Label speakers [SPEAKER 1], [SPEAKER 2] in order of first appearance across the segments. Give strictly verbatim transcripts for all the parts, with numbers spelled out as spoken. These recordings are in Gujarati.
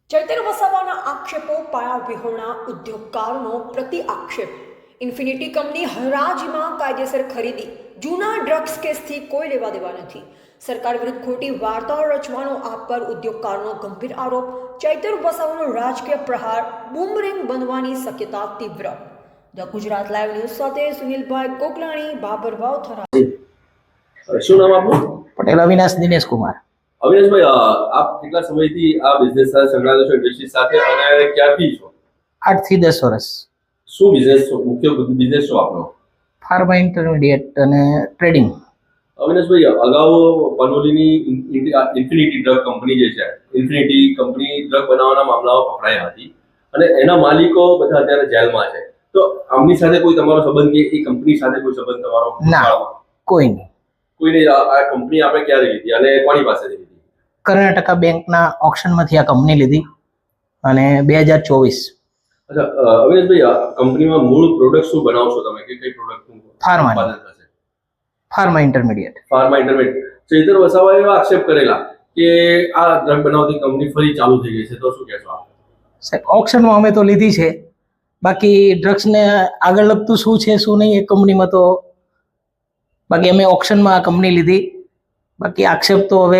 [SPEAKER 1] ચૈતર વસાવાના આક્ષેપો પાયા વિહોણા ઉદ્યોગકારોનો પ્રતિ આક્ષેપ. ઇન્ફિનિટી કંપની હરાજીમાં કાયદેસર ખરીદી. જૂના ડ્રગ્સ કેસથી કોઈ લેવા દેવા નથી. સરકાર વિરુદ્ધ ખોટી વાર્તાઓ રચવાનો આપ પર ઉદ્યોગકારોનો ગંભીર આરોપ. ચૈતર વસાવાનો રાજકીય પ્રહાર બૂમરેંગ બનવાની શક્યતા તીવ્ર. ધ ગુજરાત લાઈવ ન્યૂઝ સાથે સુનિલભાઈ કોકલાણી, બાબરભાવ થરા.
[SPEAKER 2] શું નામ આપનું?
[SPEAKER 3] પટેલ અવિનાશ દિનેશ કુમાર.
[SPEAKER 2] અવિનાશભાઈ, આપ કેટલા સમયથી આ બિઝનેસ સાથે સંકળાયેલા છો, ઇન્ડસ્ટ્રી સાથે, અને ક્યાંથી છો?
[SPEAKER 3] આઠ થી દસ વર્ષ.
[SPEAKER 2] શું બિઝનેસ મુખ્ય બિઝનેસ શું આપનો?
[SPEAKER 3] ફાર્મા ઇન્ટરમીડિયેટ અને ટ્રેડિંગ.
[SPEAKER 2] અવિનાશભાઈ, અગાઉ પનોલીની ઇન્ફિનિટી ડ્રગ કંપની જે છે, ઇન્ફિનિટી કંપની ડ્રગ બનાવવાના મામલાઓ પકડાયા હતી અને એના માલિકો બધા અત્યારે જેલમાં છે. તો આમની સાથે કોઈ તમારો સંબંધ કે એ કંપની સાથે કોઈ સંબંધ તમારો?
[SPEAKER 3] ના, કોઈ નહીં.
[SPEAKER 2] કોઈને આ કંપની આપણે ક્યારે લીધી અને કોની પાસેથી લીધી?
[SPEAKER 3] કર્ણાટકા બેંકના ઓપ્શનમાંથી આ કંપની લીધી અને બે હજાર ચોવીસ.
[SPEAKER 2] અચ્છા અવિનાશભાઈ, આ કંપનીમાં મૂળ પ્રોડક્ટ શું બનાવશો તમે, કે કઈ પ્રોડક્ટનું
[SPEAKER 3] ફાર્મા
[SPEAKER 2] ઉત્પાદન થશે?
[SPEAKER 3] Pharma intermediate.
[SPEAKER 2] Pharma intermediate. Chaitar વસાવાએ એવા આક્ષેપ કરેલા કે આ ડ્રગ બનાવતી કંપની ફરી ચાલુ થઈ ગઈ છે, તો શું કહેશો આપ?
[SPEAKER 3] સાહેબ, ઓપ્શનમાં અમે તો લીધી છે, બાકી ડ્રગ્સને આગળ લગતું શું છે શું નહીં એ કંપનીમાં તો, બાકી અમે ઓપ્શનમાં આ કંપની લીધી. બાકી આક્ષેપ તો હવે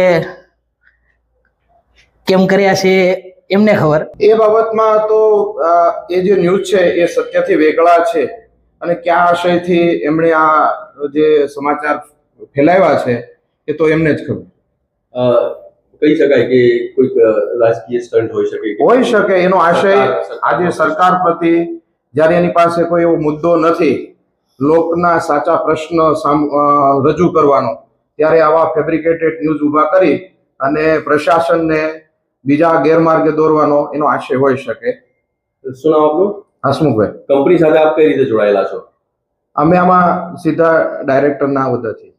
[SPEAKER 3] કેમ કર્યા છે એમને ખબર.
[SPEAKER 4] એ બાબતમાં તો એ જે ન્યૂઝ છે એ સત્યથી વેગળા છે અને કયા આશયથી એમણે આ જે સમાચાર ફેલાવ્યા છે એ તો એમને જ ખબર.
[SPEAKER 2] કહી શકાય કે કોઈક રાજકીય સ્ટન્ટ હોઈ શકે?
[SPEAKER 4] હોઈ શકે. એનો આશય આજે સરકાર પ્રતિ જ્યારે એની પાસે કોઈ એવો મુદ્દો નથી લોકના સાચા પ્રશ્ન રજૂ કરવાનો, ત્યારે આવા ફેબ્રિકેટેડ ન્યૂઝ ઊભા કરી અને પ્રશાસનને બીજા ગેરમાર્ગે દોરવાનો એનો આશય હોઈ શકે.
[SPEAKER 2] શું નામ આપનું?
[SPEAKER 4] હસમુખભાઈ.
[SPEAKER 2] કંપની સાથે આપ કઈ રીતે જોડાયેલા છો?
[SPEAKER 4] અમે આમાં સીધા ડાયરેક્ટરના હોદ્દેથી.